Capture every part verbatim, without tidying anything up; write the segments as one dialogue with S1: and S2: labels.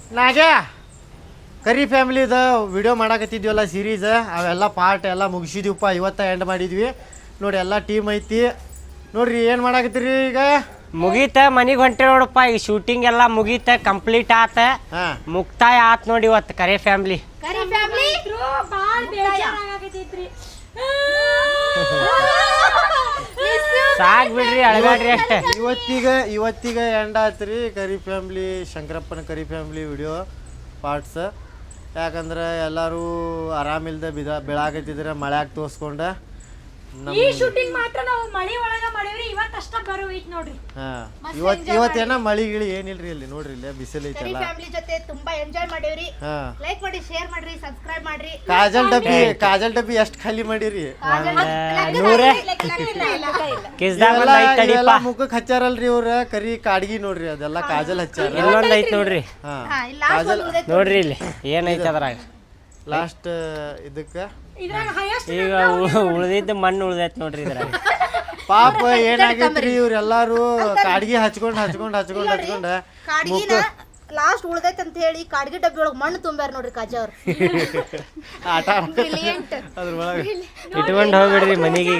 S1: ನಾಗೆ ಕರಿ ಫ್ಯಾಮಿಲಿದ ವಿಡಿಯೋ ಮಾಡಾಕತ್ತಿದ್ವಲ್ಲ ಸೀರೀಸ್ ಅವೆಲ್ಲ ಪಾರ್ಟ್ ಎಲ್ಲ ಮುಗಿಸಿದ್ವಿಪ್ಪ. ಇವತ್ತ ಎಂಡ್ ಮಾಡಿದ್ವಿ ನೋಡಿ. ಎಲ್ಲ ಟೀಮ್ ಐತಿ ನೋಡ್ರಿ. ಏನು ಮಾಡಾಕತ್ತೀರಿ ಈಗ?
S2: ಮುಗೀತ ಮನಿಗೆ ಹೊಂಟೆ ನೋಡಪ್ಪ. ಈಗ ಶೂಟಿಂಗ್ ಎಲ್ಲ ಮುಗೀತ, ಕಂಪ್ಲೀಟ್ ಆತ, ಮುಕ್ತಾಯ ಆತ್ ನೋಡಿ ಇವತ್ತು ಕರೆ ಫ್ಯಾಮಿಲಿ. ಸಾಕ್ ಬಿಡ್ರಿ, ಅಳಗಾಡ್ರಿ ಅಷ್ಟೇ.
S1: ಇವತ್ತಿಗ ಇವತ್ತಿಗ ಎಂಡ್ ಆತ್ರಿ ಕರಿ ಫ್ಯಾಮಿಲಿ, ಶಂಕರಪ್ಪನ ಕರಿ ಫ್ಯಾಮಿಲಿ ವಿಡಿಯೋ ಪಾರ್ಟ್ಸ್. ಯಾಕಂದ್ರೆ ಎಲ್ಲರೂ ಆರಾಮಿಲ್ದ ಬಿದ ಬೆಳಾಕತ್ತಿದ್ರೆ ಮಳ್ಯಾಗ ತೋರ್ಸ್ಕೊಂಡ
S3: ಈ ಶೂಟಿಂಗ್ ಮಾತ್ರ ನಾವು ಮಳಿ ಒಳಗ ಮಾಡಿವ್ರಿ. ಇವತ್ತು ಅಷ್ಟ ಬರೋ ಐತಿ ನೋಡ್ರಿ.
S1: ಹಾ ಇವತ್ತು ಇವತ್ತೇನ ಮಳಿ ಗಿಳಿ ಏನಿಲ್ರಿ ಇಲ್ಲಿ ನೋಡ್ರಿ. ಇಲ್ಲಿ ಬಿಸಿಲು ಐತಲ್ಲ.
S4: ಫ್ಯಾಮಿಲಿ ಜೊತೆ ತುಂಬಾ ಎಂಜಾಯ್ ಮಾಡಿವ್ರಿ. ಲೈಕ್ ಮಾಡಿ, ಶೇರ್ ಮಾಡ್ರಿ, ಸಬ್ಸ್ಕ್ರೈಬ್ ಮಾಡ್ರಿ.
S1: ಕಾಜಲ್ ಡಬ್ಬಿ ಕಾಜಲ್ ಡಬ್ಬಿ ಎಷ್ಟು ಖಾಲಿ ಮಾಡಿರಿ?
S2: ನೂರೇ ಕಿಸ್ದಾಗ
S1: ಮುಖಕ್ಕೆ ಹಚ್ಚಾರಲ್ರಿ ಇವ್ರ ಕರಿ ಕಾಡ್ಗಿ ನೋಡ್ರಿ. ಅದೆಲ್ಲ ಕಾಜಲ್ ಹಚ್ಚಾರ.
S2: ಇನ್ನೊಂದ್ ಐತ್ ನೋಡ್ರಿ.
S1: ಹಾ ಕಾಜಲ್
S2: ನೋಡ್ರಿ ಇಲ್ಲಿ ಏನೈತೆ ಅದ್ರಾಗ
S1: ಲಾಸ್ಟ್ ಇದಕ್ಕ.
S2: ಈಗ ಉಳ್ದಿದ್ದ ಮಣ್ಣು ಉಳ್ದೈತ್ ನೋಡ್ರಿ ಇದ್ರಾಗ.
S1: ಪಾಪ ಏನಾಗೈತ್ರಿ ಇವ್ರೆಲ್ಲಾರು ಕಾಡ್ಗಿ ಹಚ್ಕೊಂಡ್ ಹಚ್ಕೊಂಡ್ ಹಚ್ಕೊಂಡ್ ಹಚ್ಕೊಂಡ
S4: ಕಾಡ್ಗಿನ ಲಾಸ್ಟ್ ಉಳ್ದೈತ್ ಅಂತ ಹೇಳಿ ಕಾಡ್ಗಿ ಡಬ್ಬಿ ಒಳಗ್ ಮಣ್ಣು ತುಂಬ್ಯಾರ ನೋಡ್ರಿ ಕಾಜ ಅವ್ರು.
S1: ಆಟ ಅದ್ರ ಒಳಗ
S2: ಇಟ್ಕೊಂಡ್ ಹೋಗ್ಬಿಡ್ರಿ ಮನಿಗೆ.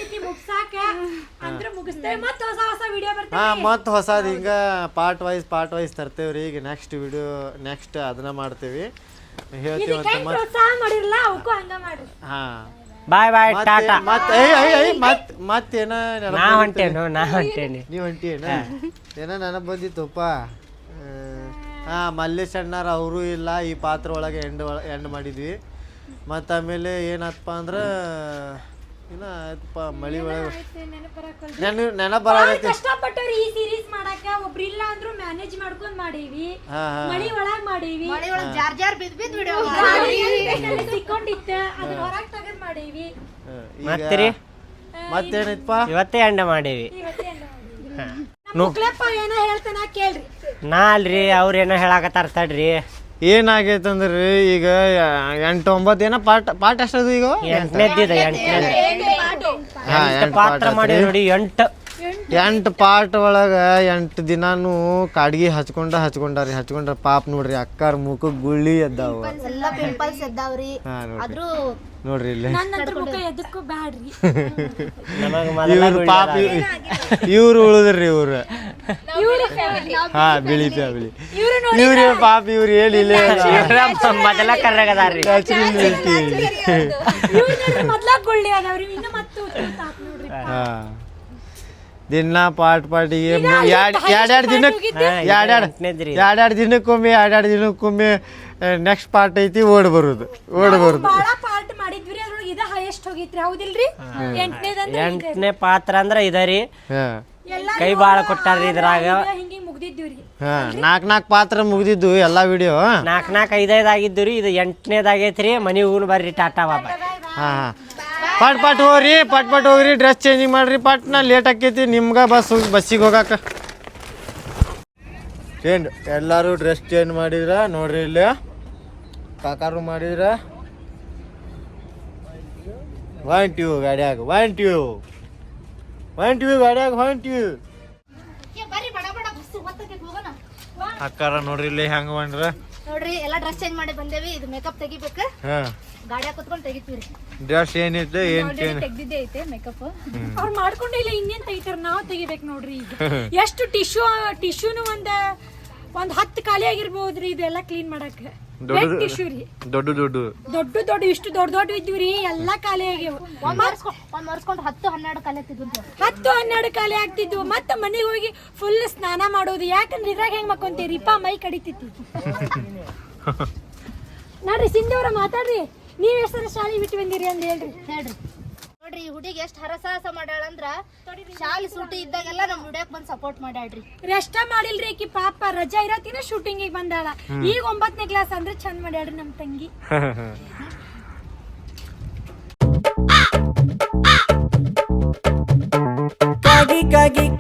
S1: ಹಾ ಮತ್ ಹೊಸದ್ ಹಿಂಗ ಪಾರ್ಟ್ ವೈಸ್ ಪಾರ್ಟ್ ವೈಸ್ ತರ್ತೇವ್ರಿ. ಈಗ ನೆಕ್ಸ್ಟ್ ವಿಡಿಯೋ ನೆಕ್ಸ್ಟ್ ಅದನ್ನ ಮಾಡ್ತೇವಿ ಹೇಳ್ತೀವಿ ಅಂತ ಮತ್ತೆ. ಹಾ
S2: ಬಾಯ್ ಬಾಯ್ ಟಾಟಾ.
S1: ಮತ್ ಮತ್ ಮತ್ತೇನ
S2: ನಾ ಹೊಂಟೇನು ನಾ ಹೊಂಟೇನಿ
S1: ನೀವ್ ಹೊಂಟೇನ? ಏನ ನನಗ್ ಬಂದಿತ್ತಪ್ಪ. ಹಾ ಮಲ್ಲೇಶ್ ಅಣ್ಣಾರ ಅವರು ಇಲ್ಲ ಈ ಪಾತ್ರ ಒಳಗೆ ಎಂಡ್ ಎಂಡ್ ಮಾಡಿದ್ವಿ. ಮತ್ತು ಆಮೇಲೆ ಏನಪ್ಪ ಅಂದ್ರೆ ಇನ್ನ ಆಯ್ತಪ್ಪ ಮಳಿ ಒಳಗೆ ನೆನ ನೆನಪು ಬರಾಕತ್ತಿ.
S3: ಕಷ್ಟಪಟ್ಟವ್ರಿ ಈ ಸೀರೀಸ್ ಮಾಡಾಕ. ಒಬ್ರು ಇಲ್ಲ ಅಂದ್ರು ಮ್ಯಾನೇಜ್ ಮಾಡ್ಕೊಂಡ್ ಮಾಡೀವಿ. ಮಳಿ ಒಳಗ್ ಮಾಡೀವಿ.
S4: ಮಳಿ ಒಳಗ್ ಜಾರ್ ಜಾರ್ ಬಿದ್ ಬಿದ್ ವಿಡಿಯೋ
S3: ಸಿಕ್ಕೊಂಡಿತ್ತ ಅದನ್ನ ಹೊರಗ್ ತಗದ್ ಮಾಡೀವಿ.
S2: ಮತ್ತೀರಿ
S1: ಮತ್ತೇನೈತಪ್ಪ
S2: ಇವತ್ತೇ ಎಂಡ ಮಾಡೀವಿ.
S3: ಮುಕ್ಲಪ್ಪ ಏನೋ ಹೇಳ್ತಾನ ಕೇಳ್ರಿ.
S2: ನಾ ಅಲ್ರಿ ಅವ್ರ ಏನೋ ಹೇಳಾಕತ್ತಾರ ತಡ್ರಿ.
S1: ಏನಾಗೈತಂದ್ರಿ ಈಗ ಎಂಟು ಒಂಬತ್ತು ಏನೋ ಪಾಠ ಪಾಠ ಎಷ್ಟದು ಈಗ?
S2: ಎಂಟನೇದಿದೆ ಎಂಟನೇ ಪಾತ್ರ ಮಾಡಿ ನೋಡಿ. ಎಂಟು
S1: ಎಂಟು ಪಾರ್ಟ್ ಒಳಗ ಎಂಟು ದಿನಾನು ಕಾಡ್ಗಿ ಹಚ್ಕೊಂಡ ಹಚ್ಕೊಂಡಾರಿ ಹಚ್ಕೊಂಡ್ರ ಪಾಪ ನೋಡ್ರಿ. ಅಕ್ಕಾರ ಮುಖಕ್ಕೆ ಗುಳ್ಳಿ ಎದ್ದಾವ,
S4: ಎಲ್ಲ ಪಿಂಪಲ್ಸ್ ಎದ್ದಾವ್ರಿ. ಆದ್ರೂ
S1: ನೋಡ್ರಿ ಇಲ್ಲಿ
S3: ಎದಕ್ಕೂ ಬ್ಯಾಡ್ರಿ.
S1: ಇವ್ರು ಪಾಪ ಇವ್ರು ಉಳಿದ್ರಿ ಇವ್ರು. ಹಾ ಬಿಳಿ ಫ್ಯಾಮಿಲಿ ಇವ್ರ ಪಾಪ ಇವ್ರು ಹೇಳಿಲ್ಲ.
S2: ಮೊದಲ ಕರ್ನಾಗದಾರ್ರಿ.
S1: ಹಾ ದಿನ ಪಾಟ್ ಪಾಟಿಗೆ ಎರಡ್ ಎರಡೆರಡು ದಿನಕ್ಕೆ ಎರಡೆರಡು ಎರಡೆರಡು ದಿನಕ್ಕೊಮ್ಮೆ ಎರಡೆರಡು ದಿನಕ್ಕೊಮ್ಮೆ ನೆಕ್ಸ್ಟ್ ಪಾರ್ಟ್ ಐತಿ ಓಡ್ ಬರುದು ಓಡ್ ಬರುದು.
S2: ಎಂಟನೇ ಪಾತ್ರ ಅಂದ್ರ ಇದರಿ. ಕೈ ಬಾಳ ಕೊಟ್ಟಾರ್ರಿ ಇದ್ರಾಗ.
S1: ಹಾ ನಾಕ್ ನಾಕ್ ಪಾತ್ರ ಮುಗ್ದಿದ್ದು ಎಲ್ಲಾ ವಿಡಿಯೋ.
S2: ನಾಕ್ ನಾಕ್ ಐದೈದ್ ಆಗಿದ್ದು ರೀ. ಇದು ಎಂಟನೇದಾಗೈತ್ರಿ. ಮನಿಗ್ ಹೋಗ್ ಬರ್ರಿ. ಟಾಟಾ ಬಾಬಾ.
S1: ಹಾ ಹಾ ಪಟ್ ಪಟ್ ಹೋಗ್ರಿ ಪಟ್ ಪಟ್ ಹೋಗ್ರಿ. ಡ್ರೆಸ್ ಚೇಂಜಿಂಗ್ ಮಾಡ್ರಿ ಪಟ್ನ. ಲೇಟ್ ಆಕೈತಿ ನಿಮ್ಗ ಬಸ್ ಬಸ್ಸಿಗೆ ಹೋಗಾಕ. ಚೇಂಜ್ ಎಲ್ಲಾರು ಡ್ರೆಸ್ ಚೇಂಜ್ ಮಾಡಿದ್ರ ನೋಡ್ರಿ. ಇಲ್ಲಿ ಕಾಕಾರು ಮಾಡಿದ್ರ ಹೊಂಟಿವ್ ಗಾಡ್ಯಾಗ ಹೊಂಟಿವ್ ಹೊಂಟಿವ್ ಗಾಡ್ಯಾಗ ಹೊಂಟಿವ್. ಅಕ್ಕಾರ ನೋಡ್ರಿ ಇಲ್ಲಿ ಹೆಂಗ ಬಂದ್ರ
S4: ನೋಡ್ರಿ. ಎಲ್ಲಾ ಡ್ರೆಸ್ ಚೇಂಜ್ ಮಾಡಿ ಬಂದೇವಿ. ಇದು ಮೇಕಪ್ ತೆಗಿಬೇಕ.
S1: ಹಾ
S4: ಗಾಡಿಯಾಗ ಕುತ್ಕೊಂಡ್ ತೆಗಿತೀವಿ.
S1: ಡ್ರೆಸ್ ಏನೈತೆ ಏನ್ ಚೇಂಜ್
S3: ತೆಗ್ದಿದ್ದೆ ಐತೆ ಮೇಕಪ್. ಅವ್ರು ಮಾಡ್ಕೊಂಡಿಲ್ಲ ಇನ್ನೇನ್ ತೆಗಿತಾರ. ನಾವ್ ತೆಗಿಬೇಕು ನೋಡ್ರಿ. ಈಗ ಎಷ್ಟು ಟಿಶ್ಯೂ ಟಿಶ್ಯೂನು ಒಂದ್ ಒಂದ್ ಹತ್ತು ಖಾಲಿ ಆಗಿರ್ಬೋದ್ರಿ. ಇದೆಲ್ಲ ಕ್ಲೀನ್ ಮಾಡಕ್. ಟಿಶ್ಯೂ ರೀ
S1: ದೊಡ್ಡ ದೊಡ್ಡ
S3: ದೊಡ್ಡ ದೊಡ್ಡ ಇಷ್ಟು ದೊಡ್ಡ ದೊಡ್ಡ ಇದ್ವಿ ಎಲ್ಲಾ ಖಾಲಿ ಆಗ್ಯಾವ.
S4: ಒಂದ್ ಮರ್ಸ್ಕೊಂಡ್ ಹತ್ತು ಹನ್ನೆರಡು ಖಾಲಿ ಆಗ್ತಿದ್ವು.
S3: ಹತ್ತು ಹನ್ನೆರಡು ಖಾಲಿ ಆಗ್ತಿದ್ವು. ಮತ್ತ ಮನೆಗೆ ಹೋಗಿ ಫುಲ್ ಸ್ನಾನ ಮಾಡೋದು. ಯಾಕಂದ್ರೆ ಇದ್ರಾಗ ಹೆಂಗ್ ಮಕ್ಕೊಂತೀರಿಪ್ಪ ಮೈ ಕಡಿತೈತಿ. ನೋಡ್ರಿ ಸಿಂಧೂರ ಮಾತಾಡ್ರಿ. ನೀವ್ ಎಷ್ಟರ ಶಾಲಿ ಬಿಟ್ಟು ಬಂದಿರಿ ಅಂತ ಹೇಳ್ರಿ ಹೇಳ್ರಿ.
S4: ನೋಡ್ರಿ ಈ ಹುಡುಗಿ ಎಷ್ಟ್ ಹರಸಾಹಸ ಮಾಡ್ಯಾಳಂದ್ರ ಶಾಲಿ ಸೂಟಿ ಇದ್ದಾಗೆಲ್ಲ ನಮ್ ವಿಡಿಯೋಕ್ ಬಂದ್ ಸಪೋರ್ಟ್ ಮಾಡ್ಯಾಳ್ರಿ.
S3: ರೆಷ್ಟ ಮಾಡಿಲ್ರಿ ಆಕಿ ಪಾಪ. ರಜಾ ಇರತ್ತಿನ ಶೂಟಿಂಗ್ ಬಂದಾಳ. ಈಗ ಒಂಬತ್ತನೇ ಕ್ಲಾಸ್ ಅಂದ್ರೆ ಚಂದ ಮಾಡ್ಯಾಳ್ರಿ ನಮ್ ತಂಗಿ.
S2: ಕಾಗಿ ಕಾಗಿ